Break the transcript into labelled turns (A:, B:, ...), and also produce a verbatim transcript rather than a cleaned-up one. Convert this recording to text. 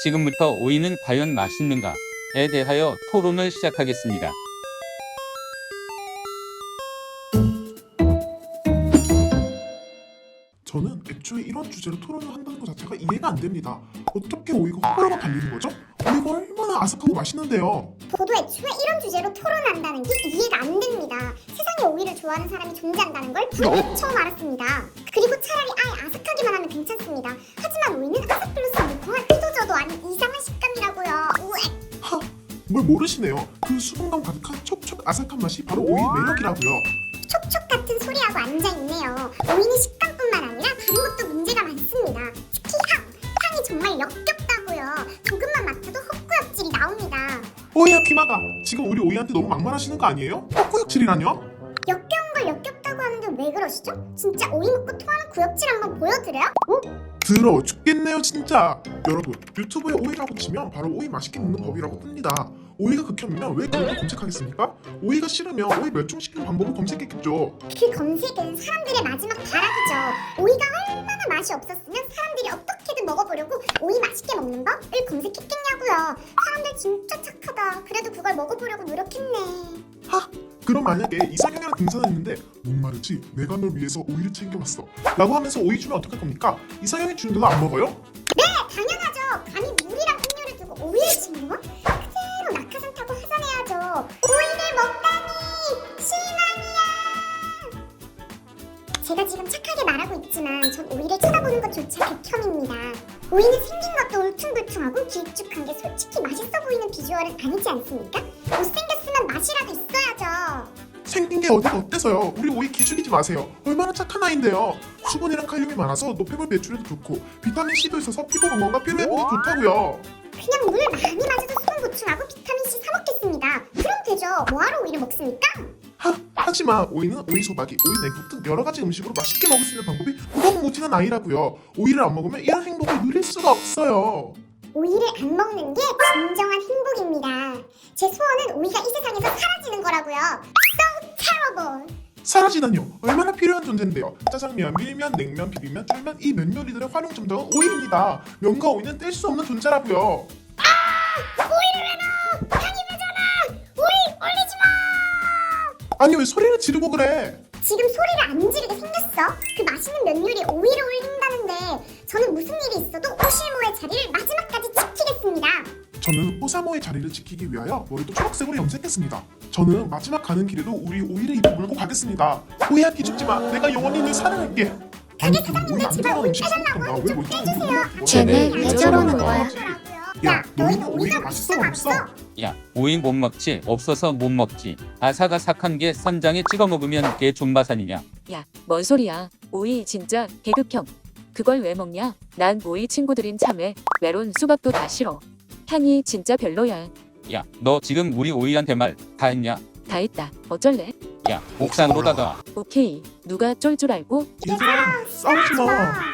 A: 지금부터 오이는 과연 맛있는가에 대하여 토론을 시작하겠습니다.
B: 저는 애초에 이런 주제로 토론을 한다는 것 자체가 이해가 안 됩니다. 어떻게 오이가 호불호가 갈리는 거죠? 오이가 얼마나 아삭하고 맛있는데요.
C: 저도 애초에 이런 주제로 토론한다는 게 이해가 안 됩니다. 세상에 오이를 좋아하는 사람이 존재한다는 걸 방금 처음 알았습니다. 그리고 차라리 아예 아삭하기만 하면 괜찮습니다. 하지만 오이는 아삭 플러스 무궁한 의도저도 아닌 이상한 식감이라고요. 우엑.
B: 하, 뭘 모르시네요. 그 수분감 가득한 촉촉 아삭한 맛이 바로 오이의 매력이라고요.
C: 촉촉 같은 소리하고 앉아있네요. 오이는 식감뿐만 아니라 다른 것도 문제가 많습니다. 특히 향! 향이 정말 역겹다고요. 조금만 맡아도 헛구역질이 나옵니다.
B: 오이야 피마가 지금 우리 오이한테 너무 막말하시는 거 아니에요? 헛구역질이라뇨?
C: 역겨운 걸 역겹다고 하는데 왜 그러시죠? 진짜 오이 먹고 토하는 구역질 한번 보여드려요? 오?
B: 더러워 죽겠네요 진짜. 여러분 유튜브에 오이라고 치면 바로 오이 맛있게 먹는 법이라고 뜹니다. 오이가 극혐이면 왜 그걸 검색하겠습니까? 오이가 싫으면 오이 멸종시키는 방법을 검색했겠죠.
C: 그 검색은 사람들의 마지막 발악이죠. 오이가 얼마나 맛이 없었으면 사람들이 어떻게든 먹어보려고 오이 맛있게 먹는 법을 검색했겠냐고요. 사람들 진짜 착하다. 그래도 그걸 먹어보려고 노력했네.
B: 하! 그럼 만약에 이상형이랑 등산했는데 목마르지 내가 널 위해서 오이를 챙겨왔어 라고 하면서 오이 주면 어떡할 겁니까? 이상형이 주는데도 안 먹어요?
C: 네, 당연하죠. 감히 물이랑 음료를 두고 오이를 씹는 건 그대로 낙하산 타고 하산해야죠. 오이를 먹다니 실망이야. 제가 지금 착하게 말하고 있지만 전 오이를 쳐다보는 것조차 극혐입니다. 오이는 생긴 것도 울퉁불퉁하고 길쭉한 게 솔직히 맛있어 보이는 비주얼은 아니지 않습니까? 못생겼으면 맛이라도 있어야죠.
B: 생긴 게 어디가 어때서요? 우리 오이 기죽이지 마세요. 얼마나 착한 아이인데요. 수분이랑 칼륨이 많아서 노폐물 배출에도 좋고 비타민 C도 있어서 피부 건강과 피부 회복에 좋다고요.
C: 그냥 물 많이 마셔서 수분 보충하고 비타민 C 사 먹겠습니다. 그럼 되죠. 뭐하러 오이를 먹습니까?
B: 하, 하지만 오이는 오이 소박이, 오이 냉국 등 여러 가지 음식으로 맛있게 먹을 수 있는 방법이 무궁무진한 아이라고요. 오이를 안 먹으면 이런 행복을 누릴 수가 없어요.
C: 오이를 안 먹는 게 진정한 행복입니다. 제 소원은 오이가 이 세상에서 사라지는 거라고요. So terrible.
B: 사라지다뇨. 얼마나 필요한 존재인데요. 짜장면, 밀면, 냉면, 비빔면, 쫄면 이 면 요리들의 활용 점정은 오이입니다. 면과 오이는 뗄 수 없는 존재라고요.
C: 오이를 왜 넣어? 향이 나잖아. 오이 올리지 마.
B: 아니 왜 소리를 지르고 그래?
C: 지금 소리를 안 지르게 생겼어? 그 맛있는 면 요리에 오이를 올린다는데 저는 무슨 일이 있어도 오실모의 자리를 마지막까지 지키겠습니다.
B: 저는 호사모의 자리를 지키기 위하여 머리도 초록색으로 염색했습니다. 저는 마지막 가는 길에도 우리 오이를 입에 물고 가겠습니다. 오이야 기죽지 마. 내가 영원히 널 사랑할게.
C: 가게 사장님들 제발 오이 빼달라고 하니 좀 빼주세요.
D: 쟤네 왜 저러는 거야?
C: 야, 너희는 오이가 맛있어 없어?
A: 야, 오이 못 먹지? 없어서 못 먹지. 아삭아삭한 게 쌈장에 찍어 먹으면 그게 존바산이냐?
D: 야, 뭔 소리야? 오이 진짜 개극혐. 그걸 왜 먹냐? 난 오이 친구들인 참외, 메론, 수박도 다 싫어. 향이 진짜 별로야.
A: 야, 너 지금 우리 오이한테 말 다 했냐?
D: 다 했다. 어쩔래?
A: 야, 옥상으로 다가.
D: 오케이. 누가 쫄 줄 알고?
B: 얘들아 싸우지 마.